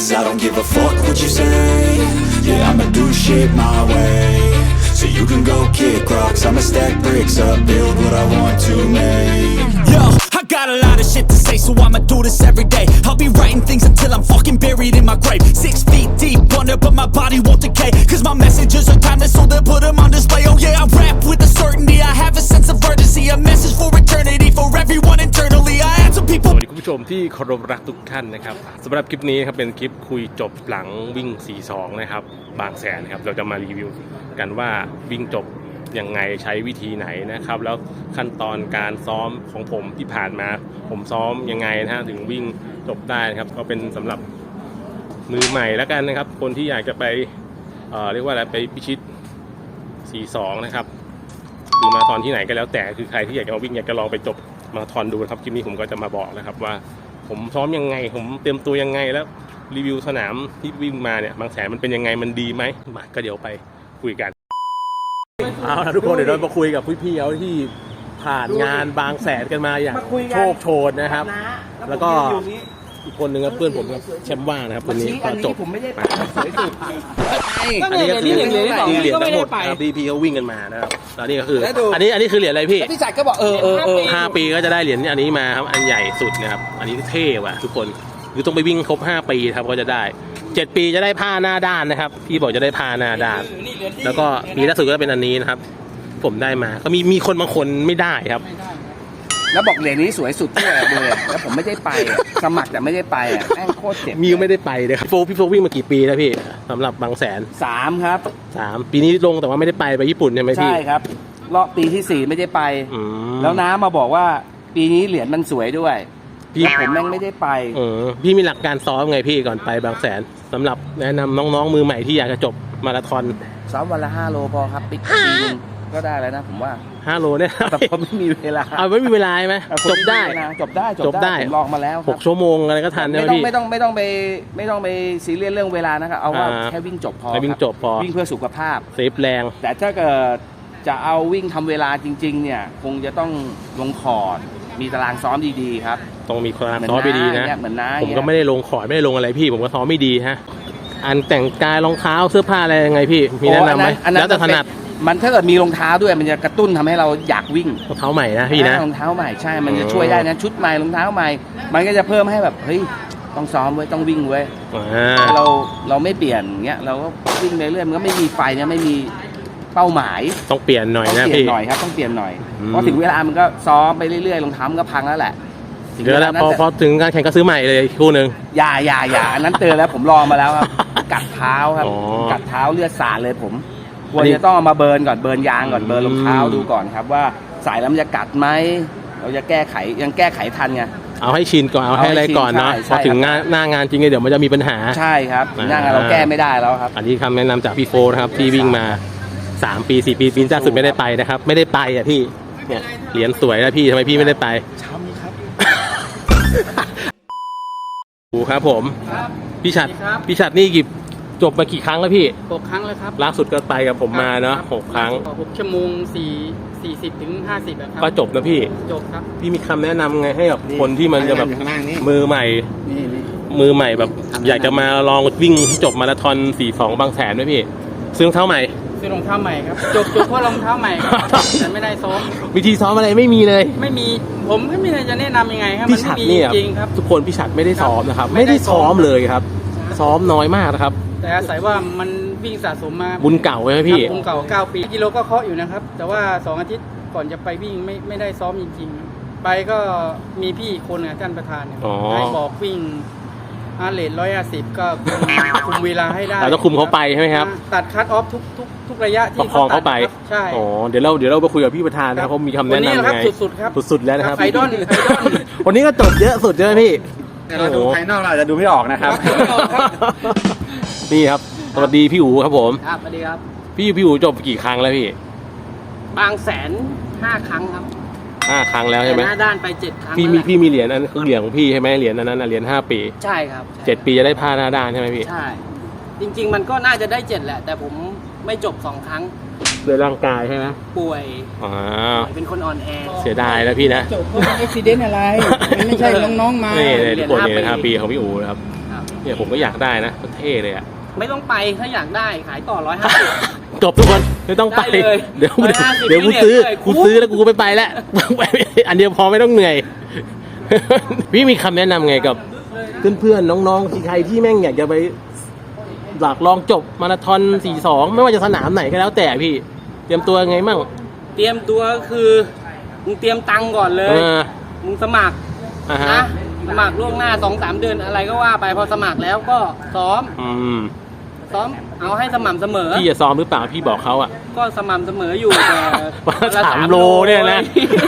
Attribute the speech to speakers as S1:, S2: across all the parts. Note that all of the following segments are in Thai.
S1: Cause I don't give a fuck what you say. Yeah, I'ma do shit my way. So you can go kick rocks, I'ma stack bricks up, build what I want to make. Yo, I got a lot of shit to say, so I'ma do this every day. I'll be writing things until I'm fucking buried in my grave. 6 feet deep under, but my body won't decay. Cause my messages are timeless, so they'll put them on display. Oh yeah, I rap with a certainty, I have a sense of urgency. A message for eternity, for everyone internally. I had some people.
S2: สวัสดีคุณผู้ชมที่เคารพรักทุกท่านนะครับสำหรับคลิปนี้ครับเป็นคลิปคุยจบหลังวิ่ง 42 นะครับบางแสนครับเราจะมารีวิวกันว่าวิ่งจบยังไงใช้วิธีไหนนะครับแล้วขั้นตอนการซ้อมของผมที่ผ่านมาผมซ้อมยังไงนะฮะถึงวิ่งจบได้นะครับก็เป็นสำหรับมือใหม่แล้วกันนะครับคนที่อยากจะไปเรียกว่าอะไรไปพิชิต 42 นะครับหรือมาราธอนที่ไหนก็แล้วแต่คือใครที่อยากจะมาวิ่งอยากจะลองไปจบมาราธอนดูนะครับคลิปนี้ผมก็จะมาบอกนะครับว่าผมซ้อมยังไงผมเตรียมตัวยังไงแล้วรีวิวสนามที่วิ่งมาเนี่ยบางแสนมันเป็นยังไงมันดีไหมมาก็เดี๋ยวไปคุยกันเอาละทุกคนเดี๋ยวเรามาคุยกับพี่ๆเขาที่ผ่านงานบางแสนกันมาอย่างโชคโชนนะครับแล้วก็อีกคนนึงครับเพื่อนผมครับแชมป์ว่างนะครับคนนี้ก็จบ
S3: ผมไม่ได้ไปสวยสุด
S2: อันนี้ก็คือเหรียญทั้งหมดพี่เขาวิ่งกันมานะครับแล้วนี่ก็คืออันนี้คือเหรียญอะไรพี่
S3: พี่จัดก็บอก
S2: 5 ปีก็จะได้เหรียญอันนี้มาครับอันใหญ่สุดนะครับอันนี้เท่ว่ะทุกคนคือต้องไปวิ่งครบ5 ปีครับก็จะได้7 ปีจะได้ผ้าหน้าด้านนะครับพี่บอกจะได้ผ้าหน้าด้านแล้วก็ปีล่าสุดก็เป็นอันนี้นะครับผมได้มาก็มีคนบางคนไม่ได้ครับ
S3: แล้วบอกเหรียญนี้สวยสุดที่เลยแล้วผมไม่ได้ไปสมัครแต่ไม่ได้ไปแม่งโคตรเจ็บ
S2: มีไม่ได้ไปเลยครับพี่โฟวิ่งมากี่ปีแล้วพี่สำหรับบางแสน
S3: 3ครับ
S2: 3ปีนี้ลงแต่ว่าไม่ได้ไปญี่ปุ่นใช่ไหมพี่
S3: ใช่ครับรอบปีที่4ไม่ได้ไปแล้วน้ามาบอกว่าปีนี้เหรียญมันสวยด้วยพี่ผมแม่งไม่ได้ไป
S2: พี่มีหลักการซ้อมไงพี่ก่อนไปบางแสนสำหรับแนะนำน้องๆมือใหม่ที่อยากจะจบมาราธอน
S3: ซ้อมวันละ5 โลพอครับปีนึงก็ได้แล้วนะผมว่า
S2: 5 โลเนี่ย
S3: แต่ผมไม่มีเวลา
S2: ไม่มีเวลาไหมจบได้
S3: ผมลองมาแล้ว
S2: 6 ชั่วโมงอะไรก็ทันนะพี่
S3: ไม่ต้องไปซีเรียสเรื่องเวลานะครับเอาว่าแค่วิ่งจบพอ
S2: วิ่งจบพอ
S3: วิ่งเพื่อสุขภาพ
S2: เซฟแรง
S3: แต่ถ้าเกิดจะเอาวิ่งทำเวลาจริงๆเนี่ยคงจะต้องลงคอร์ดมีตารางซ้อมดีๆครับ
S2: ต้องมีตารางซ้อมดีๆนะผมก็ไม่ได้ลงคอร์ดไม่ได้ลงอะไรพี่ผมก็ซ้อมไม่ดีฮะอันแต่งกายรองเท้าเสื้อผ้าอะไรยังไงพี่มีแนะนำไหมแล้วแต่ถนัด
S3: มันถ้าเกิดมีรองเท้าด้วยมันจะกระตุ้นทำให้เราอยากวิ่ง
S2: รองเท้าใหม่นะพี่นะ
S3: รองเท้าใหม่ใช่มันจะช่วยได้นะชุดใหม่รองเท้าใหม่มันก็จะเพิ่มให้แบบเฮ้ยต้องซ้อมไว้ต้องวิ่งไว้เราไม่เปลี่ยนเงี้ยเราก็วิ่งไปเรื่อยมันก็ไม่มีไฟเนี่ยไม่มีเป้าหมาย
S2: ต้องเปลี่ยนหน่อยนะ
S3: พี่หน่อยครับต้องเปลี่ยนหน่อยพอถึงเวลามันก็ซ้อมไปเรื่อยๆรองเท้ามันก็พังแล้วแหละ
S2: เดี๋ยวแล้วพอถึงการแข่งก็ซื้อใหม่เลยคู่นึง
S3: อย่าอันนั้นเตือนแล้วผมลองมาแล้วครับกัดเท้าครับกัดเท้าเลือดสาดเลยผมควรจะต้องเอามาเบิร์นก่อนเบิร์นยางก่อนเบิร์นรองเท้าดูก่อนครับว่าสายแล้วมันจะกัดไหมเราจะแก้ไขยังแก้ไขทันไง
S2: เอาให้ชินก่อนเอาให้อะไรก่อนเนาะพอถึงหน้างานจริงเดี๋ยวมันจะมีปัญหา
S3: ใช่ครับหน้างานเราแก้ไม่ได้แล้วครับ
S2: อันนี้คำแนะนำจากพี่โฟนะครับที่วิ่งมา3 ปี4 ปีปีล่าสุดไม่ได้ไปนะครับไม่ได้ไปอ่ะพี่เนี่ยเหรียญสวยนะพี่ทำไมพี่ไม่ได้ไป
S3: ช้ำครับ
S2: ดูครับผมพี่ฉัดนี่จบมากี่ครั้งแล้วพี่
S4: 6 ครั้งแล้วครับ
S2: ล่าสุดก็ไปกับผมมาเนาะ6 ครั้ง
S4: 6 ชั่วโมง40 ถึง 50ครับ
S2: ก็จบนะพี่
S4: จบครับ
S2: พี่มีคำแนะนำไงให้กับคนที่มันจะแบบมือใหม่แบบอยากจะมาลองวิ่งที่จบมาราธอน42บางแสนไหมพี่ซื้อรองเท้าใหม่
S4: ครับจบเพราะรองเท้าใหม่ครับแต่ไม่ได้ซ้อม
S2: วิธีซ้อมอะไรไม่มีเลย
S4: ไม่มีผมไม่มีจะแนะนำยังไงครับ
S2: พี่ฉัดนี่จริงครับทุกคนพี่ฉัดไม่ได้ซ้อมนะครับไม่ได้ซ้อมเลยครับซ้อมน้อยมากนะครับ
S4: แต่อาศัยว่ามันวิ่งสะสมมา
S2: บุญเก่าไหมพี่
S4: บุญเก่า9 ปีกิโลก็เคาะอยู่นะครับแต่ว่า2 อาทิตย์ก่อนจะไปวิ่งไม่ได้ซ้อมจริงๆไปก็มีพี่คนท่านประธานให้บอกวิ่งเรท150ก็คุมเวลาให้ได้
S2: เราต้องคุมเขาไปใช่ไหมครับ
S4: ตัดคัทออฟทุกระยะที่
S2: ประคองเขาไป
S4: ใช่
S2: เดี๋ยวเราไปคุยกับพี่ประธานนะครับเขามีคำแนะนำยังไง
S4: สุดๆครับ
S2: สุดๆแล้วนะครับ
S4: ไอดอล
S2: วันนี้ก็จบเยอะสุดใช่ไหมพี่
S3: เราดูภายนอกเราอาจจะดูไม่ออกนะครับ
S2: นี่ครับสวัสดีพี่อู๋ครับผม
S4: ครับสวัสดีครับ
S2: พี่อู๋จบกี่ครั้งแล้วพี่
S4: บางแสน5 ครั้งครับ
S2: 5 ครั้งแล้วใช่ไหม
S4: หน้าด้านไป7 ครั้ง
S2: พี่มีเหรียญอันคือเหรียญของพี่ใช่ไหมเหรียญนั้นเหรียญ5 ปี
S4: ใช่ครับ
S2: 7 ปีจะได้ผ้าหน้าด้านใช่ไหมพี่
S4: ใช่จริงๆมันก็น่าจะได้7แหละแต่ผมไม่จบ2 ครั้ง
S2: ด้วยร่างกายใช่ไหม
S4: ป่วยเป็นคนอ่อนแอ
S2: เสียดายแล้วพี่นะ
S4: จบเพราะอุบิเหตุอะไรมันไม่ใช่น้องๆมา
S2: นี่ทุกคนเนี่ย5 ปีของพี่อู๋นะครับเนี่ยผมก็อยากได้นะเท่เลยอ่ะ
S4: ไม่ต้องไปถ้าอยากได้ขายต่อ 150
S2: จบทุกคนไม่ต้องไป
S4: ได้เลย
S2: เดี๋ยว
S4: 150
S2: เดี๋ยวกูซื้อ
S4: เลย
S2: กูซื้อแล้วกูไม่ไปแล้ว อันเดียวพอไม่ต้องเหนื่อย พี่มีคำแนะนำไงกับเพื่อนๆน้องๆใครที่แม่งอยากจะไปอยากลองจบมาราธอน42ไม่ว่าจะสนามไหนก็แล้วแต่พี่เตรียมตัวไงมั่ง
S4: เตรียมตัวคือมึงเตรียมตังค์ก่อนเลย มึงสมัคร
S2: อ่าฮะ
S4: นะสมัครล่วงหน้า 2-3 เดือนอะไรก็ว่าไปพอสมัครแล้วก็ซ้อม ซ้อมเอาให้สม่ำเสมอ
S2: พี่จะซ้อมหรือเปล่าพี่บอกเขาอ่ะ
S4: ก็สม่ำเสมออยู่แต่
S2: วันละ3 โลเนี่ยนะ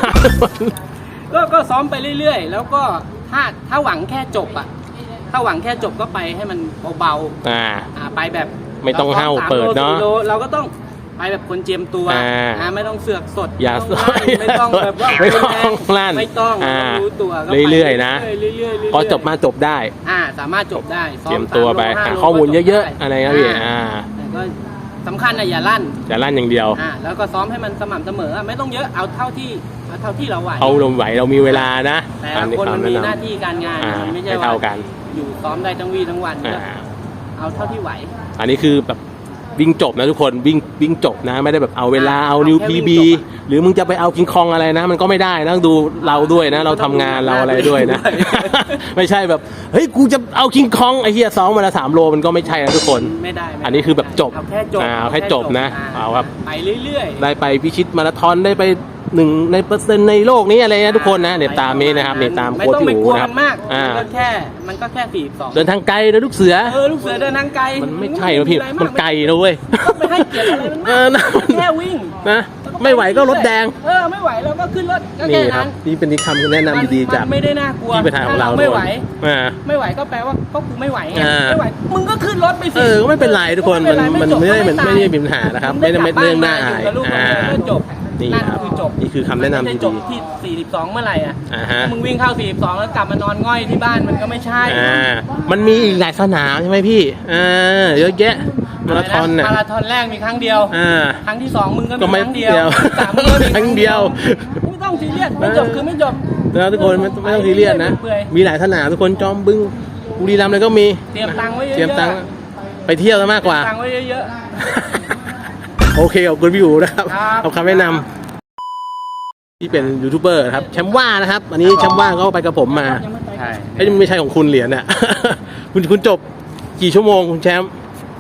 S4: ก็ซ้อมไปเรื่อยๆ แล้วก็ถ้าหวังแค่จบอ่ะ ถ้าหวังแค่จบก็ไปให้มันเบาๆไปแบบ
S2: ไม่ต้องห้าวเปิดเนาะ
S4: เราก็ต้องไปแบบคนเจียมตัวไม่ต้องเสือกสด
S2: อย่า
S4: ไม่ต้องแบบว่า
S2: ไม่ต้องลั่น
S4: ไม่ต้องรู้ตัวก็ไป
S2: เรื่อยๆนะ
S4: เรื่อยๆ
S2: พอจบมาจบได้
S4: สามารถจบได้
S2: เตรียมตัวไปหาข้อมูลเยอะๆอะไรนะพี่
S4: แต่ก็สำคัญนะอย่าลั่น
S2: อย่างเดียว
S4: แล้วก็ซ้อมให้มันสม่ำเสมอไม่ต้องเยอะเอาเท่าที่เราไหว
S2: เอาลมไหวเรามีเวลานะ
S4: แต่ละคนมันมีหน้าที่การงานไม่ใช่ว่า
S2: เท่ากัน
S4: อยู่ซ้อมได้ทั้งวี่ทั้งวันเอาเท่าที่ไหว
S2: อันนี้คือแบบวิ่งจบนะทุกคนวิ่งจบนะไม่ได้แบบเอาเวลาเอานิว
S4: แค่
S2: พี
S4: วิ่ง
S2: บี
S4: จบ
S2: หรือมึงจะไปเอากิงคองอะไรนะ มันก็ไม่ได้นะต้องดูเราด้วยนะ เราทำงานเราอะไรด้วยนะ ไม่ใช่แบบเฮ้ยกูจะเอากิงคองไอ้เหี้ยซ้อมมาละ3 โลมันก็ไม่ใช่นะทุกคน
S4: ไม่ได้
S2: อันนี้คือแบบจบ
S4: เอาแค่จบ
S2: เอาแค่จบนะเอาครับ
S4: ไปเรื่อยๆ
S2: ได้ไปพิชิตมาราธอนได้ไป1 ในเปอร์เซ็นต์ในโลกนี้อะไรนะทุกคนนะเดี๋ยวตามนี้นะครับเดี๋ยวตามโค้ชพี่อู๋นะครับ
S4: มันก็แค่42
S2: เดินทางไกลนะลูกเสือ
S4: ลูกเสือเดินทางไกล
S2: มันไม่ใช่นะพี่มันไกลนะเว้ย
S4: ก็ไม่ให้เกียรติอะไรมันมากแค่วิ่ง
S2: นะไม่ไหวก็รถแดง
S4: ไม่ไหวเราก็ขึ้นรถก็
S2: นี่
S4: แค่
S2: ครั
S4: นั้
S2: บ
S4: น
S2: นี่เป็นคำแนะนำดีๆจาก
S4: ไม่ได้น่ากลัว
S2: ที่ประธานของเรา
S4: ไม่ไหว
S2: ไม่
S4: ก็แปลว่าก็กูไม่ไหวไงไม่ไหวมึงก็ขึ้นรถไปสิ
S2: ก็ไม่เป็นไรทุกคนมันไม่ได้มีปัญหานะครับไม่ได้เรื่องน่าอาย
S4: จบ
S2: นี่ครับนี่คือคำแนะนำดี
S4: จบที่42เมื่อไหร่อ่ะ
S2: ฮะ
S4: มึงวิ่งเข้า42แล้วกลับมานอนง่อยที่บ้านมันก็ไม่ใช่
S2: มันมีอีกหลายสนามใช่ไหมพี่เยอะแยะมาราธอนเนี่ย
S4: มาราธอนแรกมีครั้งเดียวครั้งที่2มึงก็มีครั้งเดียวครั้งที่3มึงก็มี
S2: ครั้งเดียว
S4: ไม่ต้องซีเรียสไม่จบคือไม่จบ
S2: แล้วทุกคนไม่ต้องซีเรียสนะมีหลายสนามทุกคนจอมบึงบุรีรัมย์เลยก็มี
S4: เตรียมตังค์ไว้เยอะๆ
S2: เตรียมตังค์ไปเที่ยวซะมากกว่า
S4: ตังค์ไว้เยอะ
S2: โอเคขอบคุณพี่อู๋นะครับ
S4: ครับ
S2: เอาคำแนะนำที่เป็นยูทูบเบอร์ครับแชมป์ว่านะครับอันนี้แชมป์ว่าก็ไปกับผมมา
S3: ใช่
S2: ไม่ใช่ของคุณเหรียญน่ะ คุณจบกี่ชั่วโมงคุณแชมป์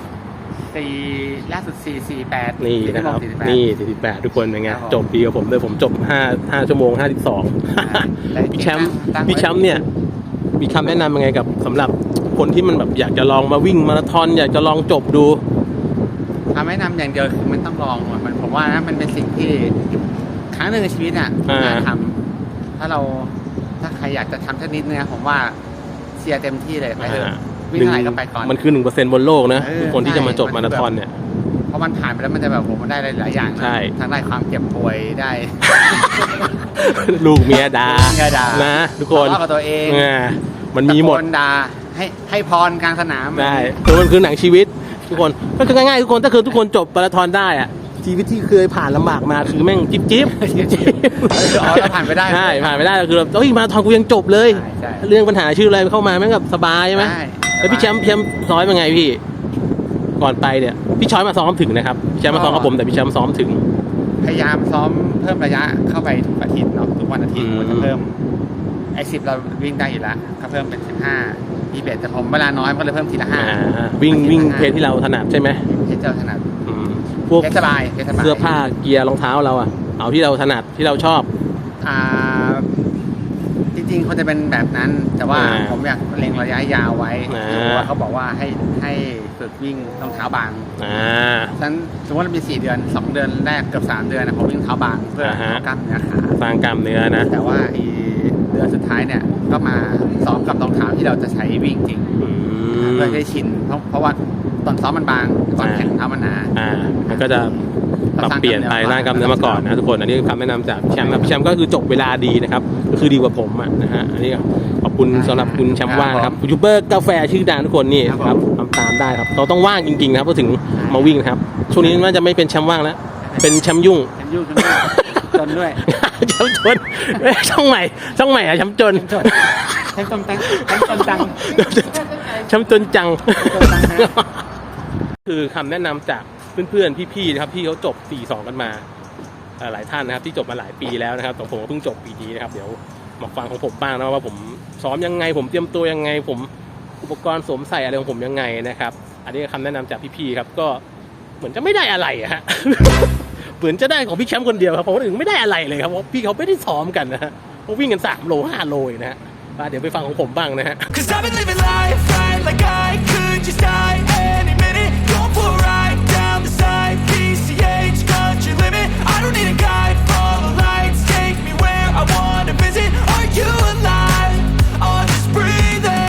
S3: ล่าสุด448
S2: นี่นะครับนี่48ทุกคนเป็นไงจบปีกับผมเลยผมจบ5 ชั่วโมง 52พี่แชมป์เนี่ยมีคำแนะนำยังไงกับสำหรับคนที่มันแบบอยากจะลองมาวิ่งมาราธอนอยากจะลองจบดู
S3: คำแนะนำอย่างเดียวคือมันต้องลองมันผมว่านะมันเป็นสิ่งที่ครั้งหนึ่งในชีวิตน่ะน่าทำถ้าใครอยากจะทำสักนิดเนี่ยผมว่าเชียร์เต็มที่เลยไปเถอะวิ่งเท่าไหร่ก็ไปก่อน
S2: มันคือ 1% บนโลกนะทุกคนที่จะมาจบมาราธอนเนี่ย
S3: เพราะมันผ่านไปแล้วมันจะแบบผมมันได้หลายอย่าง
S2: ใช่
S3: ทั้งได้ความเจ็บป่วยได้
S2: ลูกเมียด่านะทุกคน
S3: ทะเลาะกับตัวเอง
S2: มันมีหมด
S3: ตะโกนด่าให้พรกลางสนาม
S2: ได้คือมันคือหนังชีวิตทุกคนก็คือง่ายๆทุกคนถ้าคือทุกคนจบมาราธอนได้อะชีวิตที่เคยผ่านลำบากมาคือแม่งจิ๊บ
S3: เราผ่านไปได้
S2: ใช่ผ่านไปได้คือแบบมาราธอนกูยังจบเลยเรื่องปัญหาชื่ออะไรเข้ามาแม่งแบบสบายใช่ไหมแล้วพี่แชมป์ซ้อมยังไงพี่ก่อนไปเนี่ยพี่ช้อยมาซ้อมถึงนะครับพี่แชมป์มาซ้อมกับผมแต่พี่แชมป์ซ้อมถึง
S3: พยายามซ้อมเพิ่มระยะเข้าไปทุกอาทิตย์เนาะทุกวันอาทิตย์มันจะเพิ่ม10เราวิ่งได้อยู่แล้วก็เพิ่มเป็น15 21แต่ผมเวลาน้อยก็เลยเพิ่มทีละ5
S2: วิ่งเพจที่เราถนัดใช่ไหม
S3: เพจเราถนัด
S2: พวก
S3: สบาย
S2: เสื้อผ้าเกียร์รองเท้าเราอะเอาที่เราถนัดที่เราชอบ
S3: จริงๆเขาจะเป็นแบบนั้นแต่ว่าผมอยากเล็งระยะยาวไว้เพราะว่าเขาบอกว่าให้ฝึกวิ่งรองเท้าบางฉะนั้นสมมติว่ามี4 เดือน2 เดือนแรกกับ3 เดือนนะผมวิ่งเท้าบางเพื่อกล้ามเนื้อขา
S2: สร้างกล้ามเนื้อนะ
S3: แต่ว่าเดือนสุดท้ายเนี่ยก็มาซ้อมกับรองเท้าที่เราจะใช้วิ่งจริงเพื่อให้ชินเพราะว่าตอนซ้อมมันบางตอนแข่งเท้ามันหนา
S2: มันก็จะปรับเปลี่ยนไปร่างกล้ามเนื้อมาก่อนนะทุกคนอันนี้คำแนะนำจากแชมป์นะแชมป์ก็คือจบเวลาดีนะครับก็คือดีกว่าผมนะฮะอันนี้ขอบคุณสำหรับคุณแชมป์ว่างครับยูทูบเบอร์กาแฟชื่อดังทุกคนนี่ครับทำตามได้ครับเราต้องว่างจริงๆนะครับก็ถึงมาวิ่งครับช่วงนี้น่าจะไม่เป็นแชมป์ว่างแล้วเป็นแชมป์ยุ่ง
S3: จนด้วย
S2: แชมป์จนช่องใหม่อะแชมป์จน
S3: แชมป์จนตัง
S2: แชมป์จนจัง คือคำแนะนำจากเพื่อนๆพี่ๆนะครับที่เขาจบ 4-2 กันมาหลายท่านนะครับที่จบมาหลายปีแล้วนะครับแต่ผมก็เพิ่งจบปีนี้นะครับเดี๋ยวมาฟังของผมบ้างนะว่าผมซ้อมยังไงผมเตรียมตัวยังไงผมอุปกรณ์สวมใส่อะไรของผมยังไงนะครับอันนี้คำแนะนำจากพี่ๆครับก็เหมือนจะไม่ได้อะไรอะฮะ เหมือนจะได้ของพี่แชมป์คนเดียวครับผมถึงไม่ได้อะไรเลยครับเพราะพี่เขาไม่ได้ซ้อมกันนะฮะเขาวิ่งกัน3 โล 5 โลนะฮะเดี๋ยวไปฟังของผมบ้างนะฮะ
S1: Cause I've been living life right like I could just die